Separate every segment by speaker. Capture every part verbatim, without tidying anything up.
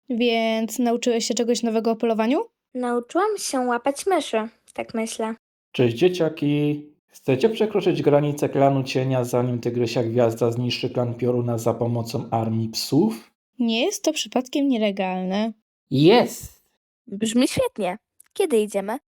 Speaker 1: Więc nauczyłeś się czegoś nowego o polowaniu?
Speaker 2: Nauczyłam się łapać myszy, tak myślę.
Speaker 3: Cześć dzieciaki! Chcecie przekroczyć granicę klanu cienia, zanim Tygrysia Gwiazda zniszczy klan Pioruna za pomocą armii psów?
Speaker 1: Nie jest to przypadkiem nielegalne.
Speaker 3: Jest!
Speaker 2: Brzmi świetnie. Kiedy idziemy?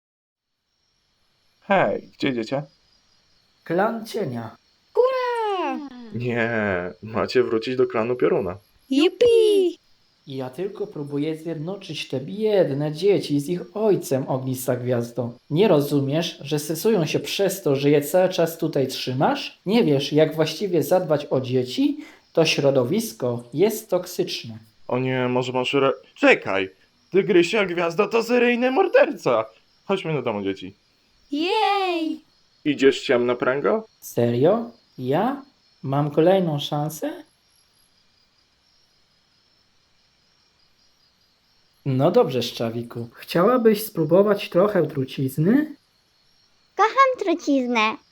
Speaker 4: Hej, gdzie idziecie?
Speaker 3: Klan cienia.
Speaker 1: Hurra!
Speaker 4: Nie, macie wrócić do klanu Pioruna.
Speaker 1: Jupi!
Speaker 3: Ja tylko próbuję zjednoczyć te biedne dzieci z ich ojcem, Ognista Gwiazdo. Nie rozumiesz, że stresują się przez to, że je cały czas tutaj trzymasz? Nie wiesz, jak właściwie zadbać o dzieci? To środowisko jest toksyczne.
Speaker 4: O nie, może masz re... Czekaj! Tygrysia Gwiazda to seryjny morderca! Chodźmy do domu, dzieci.
Speaker 1: Jej!
Speaker 4: Idziesz ciemno, pręgo?
Speaker 3: Serio? Ja? Mam kolejną szansę? No dobrze, Szczawiku. Chciałabyś spróbować trochę trucizny?
Speaker 5: Kocham truciznę.